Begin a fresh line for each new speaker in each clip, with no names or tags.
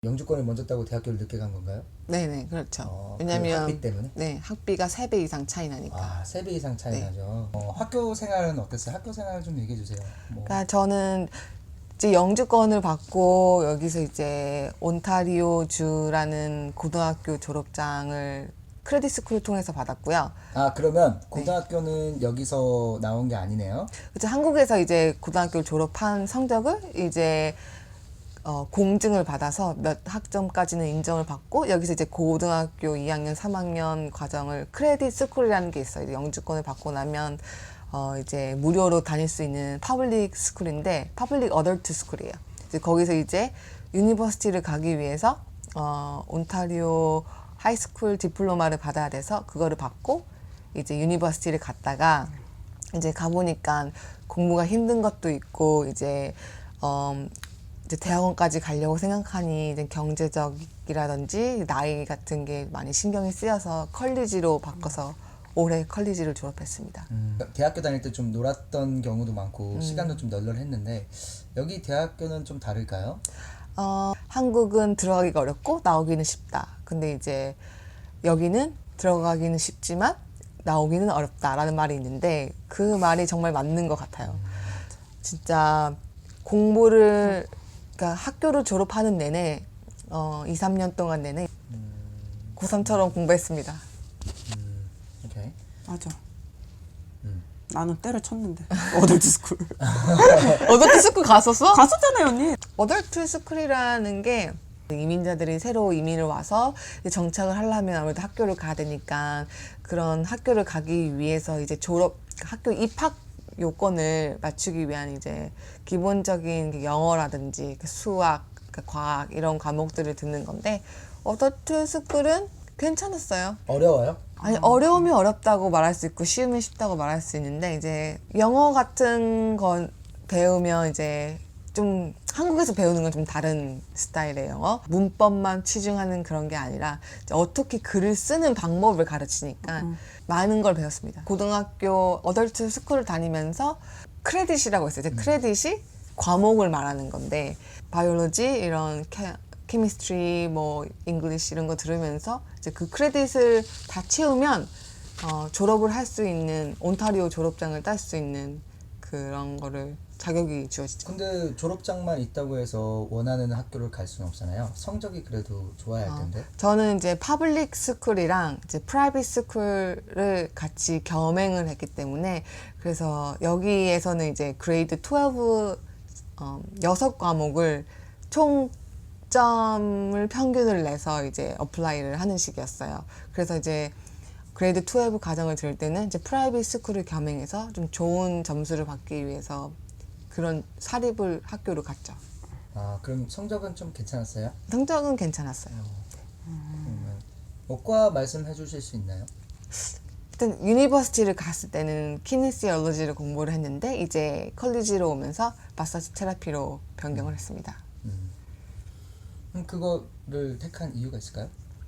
영주권을 먼저 따고 대학교를 늦게 간 건가요?
네네, 그렇죠.
그
왜냐면
학비 때문에?
네, 학비가 3배 이상 차이 나니까.
아, 3배 이상 차이
네.
나죠. 학교 생활은 어땠어요? 학교 생활 좀 얘기해 주세요. 뭐.
그러니까 저는 이제 영주권을 받고 여기서 이제 온타리오 주라는 고등학교 졸업장을 크레딧 스쿨을 통해서 받았고요.
아, 그러면 고등학교는 여기서 나온 게 아니네요.
그래서 한국에서 이제 고등학교를 졸업한 성적을 이제 공증을 받아서 몇 학점까지는 인정을 받고 여기서 이제 고등학교 2학년, 3학년 과정을 크레딧 스쿨이라는 게 있어요. 이제 영주권을 받고 나면 이제 무료로 다닐 수 있는 퍼블릭 스쿨인데 퍼블릭 어덜트 스쿨이에요. 이제 거기서 이제 유니버시티를 가기 위해서 온타리오 하이스쿨 디플로마를 받아야 돼서 그거를 받고 이제 유니버시티를 갔다가 이제 가보니까 공부가 힘든 것도 있고 이제 대학원까지 가려고 생각하니 이제 경제적이라든지 나이 같은 게 많이 신경이 쓰여서 컬리지로 바꿔서 올해 컬리지를 졸업했습니다.
대학교 다닐 때 좀 놀았던 경우도 많고 시간도 좀 널널했는데 여기 대학교는 좀 다를까요?
한국은 들어가기가 어렵고 나오기는 쉽다. 근데 이제 여기는 들어가기는 쉽지만 나오기는 어렵다라는 말이 있는데 그 말이 정말 맞는 것 같아요. 진짜 공부를 그러니까 학교를 졸업하는 내내 2, 3년 동안 내내 고3처럼 공부했습니다.
오케이.
맞아. 나는 때려쳤는데 어덜트 스쿨
어덜트 스쿨 갔었어?
갔었잖아요 언니.
어덜트 스쿨이라는 게 이민자들이 새로 이민을 와서 이제 정착을 하려면 아무래도 학교를 가야 되니까 그런 학교를 가기 위해서 이제 학교 입학 요건을 맞추기 위한 이제 기본적인 영어라든지 수학, 과학 이런 과목들을 듣는 건데 어덜트 스쿨은 괜찮았어요.
어려워요?
아니 어려우면 어렵다고 말할 수 있고 쉬우면 쉽다고 말할 수 있는데 이제 영어 같은 건 배우면 이제 좀 한국에서 배우는 건 좀 다른 스타일의 영어 문법만 치중하는 그런 게 아니라 이제 어떻게 글을 쓰는 방법을 가르치니까 많은 걸 배웠습니다. 고등학교 어덜트 스쿨을 다니면서 크레딧이라고 있어요. 이제 크레딧이 과목을 말하는 건데 바이올로지 이런 케미스트리 뭐 잉글리시 이런 거 들으면서 이제 그 크레딧을 다 채우면 졸업을 할 수 있는 온타리오 졸업장을 딸 수 있는 그런 거를 자격이 주어지죠.
근데 졸업장만 있다고 해서 원하는 학교를 갈 수는 없잖아요. 성적이 그래도 좋아야 할 텐데.
저는 이제 파블릭 스쿨이랑 이제 프라이빗 스쿨을 같이 겸행을 했기 때문에 그래서 여기에서는 이제 그레이드 12 6과목을 총점을 평균을 내서 이제 어플라이를 하는 식이었어요. 그래서 이제 그레이드 12 과정을 들을 때는 이제 프라이빗 스쿨을 겸행해서 좀 좋은 점수를 받기 위해서 그런 사립을 학교로 갔죠.
아, 그럼 성적은 좀 괜찮았어요?
성적은 괜찮았어요.
뭐과 말씀해 주실 수 있나요?
일단 유니버시티를 갔을 때는 키네시올로지를 공부를 했는데 이제 컬리지로 오면서 마사지 테라피로 변경을 했습니다.
그거를 택한 이유가 있을까요?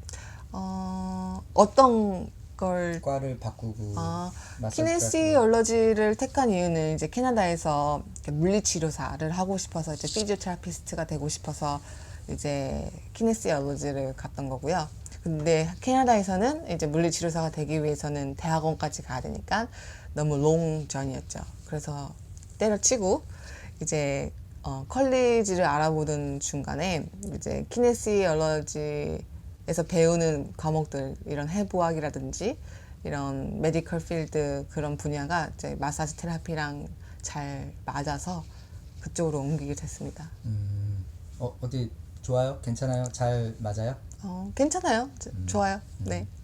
어떤 걸
과를 바꾸고 마사지
키네시올로지를 택한 이유는 이제 캐나다에서 물리치료사를 하고 싶어서 이제 피지오테라피스트가 되고 싶어서 이제 키네시올로지를 갔던 거고요. 근데 캐나다에서는 이제 물리치료사가 되기 위해서는 대학원까지 가야 되니까 너무 롱전이었죠. 그래서 때려치고 이제 컬리지를 알아보던 중간에 이제 키네시올로지에서 배우는 과목들 이런 해부학이라든지 이런 메디컬 필드 그런 분야가 이제 마사지 테라피랑 잘 맞아서 그쪽으로 옮기게 됐습니다.
어디 좋아요? 괜찮아요? 잘 맞아요?
괜찮아요. 좋아요. 네.